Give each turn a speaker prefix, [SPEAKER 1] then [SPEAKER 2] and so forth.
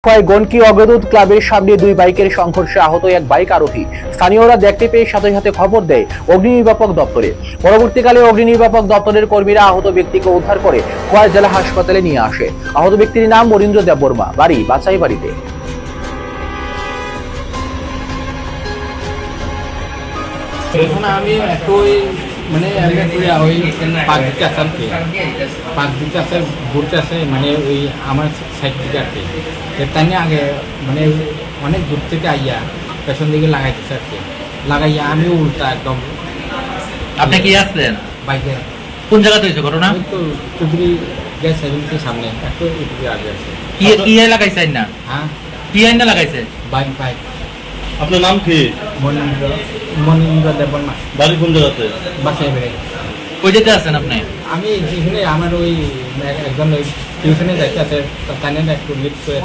[SPEAKER 1] গনকি অগ্রদূত ক্লাবের সামনে দুই বাইকের সংঘর্ষে আহত এক বাইক আরোহী। স্থানীয়রা দেখতে পেয়ে সাথে সাথে খবর দেয় অগ্নি নির্বাপক দপ্তরে। পরবর্তীকালে অগ্নি নির্বাপক দপ্তরের কর্মীরা আহত ব্যক্তিকে উদ্ধার করে খোয়াই জেলা হাসপাতালে নিয়ে আসে। আহত ব্যক্তির নাম মনীন্দ্র দেববর্মা, বাড়ি বাছাই বাড়িতে।
[SPEAKER 2] এখন আমি একটু মানে ওই পাঁচ দিকে আছে ঘুরতে আছে মানে ওই আমার সাইড থেকে আর কি তাই নিয়ে আগে মানে অনেক দূর থেকে আইয়া পেছন দিকে লাগাইতেছে আর কি লাগাইয়া আমি উল্টা একদম।
[SPEAKER 3] আপনি কি আসলেন
[SPEAKER 2] বাইকে?
[SPEAKER 3] কোন জায়গাতে হয়েছে ঘটনা?
[SPEAKER 2] আমি তো চৌধুরী গ্যাস এজেন্সির সামনে একটু একটু আগে আছে।
[SPEAKER 3] কি কি লাগাইছে না?
[SPEAKER 2] হ্যাঁ,
[SPEAKER 3] কি আইনা লাগাইছে?
[SPEAKER 2] Bike bike.
[SPEAKER 4] আপনার নাম কি?
[SPEAKER 2] মনীন্দ্র দেববর্মা।
[SPEAKER 4] বাড়ি কোন জায়গাতে?
[SPEAKER 2] বাসায় বেড়ে
[SPEAKER 3] কই যেতে আছেন আপনি?
[SPEAKER 2] আমি যেখানে আমার ওই একজন ওই টিউশনে যাইতে আছে তাই একটু লিফট করে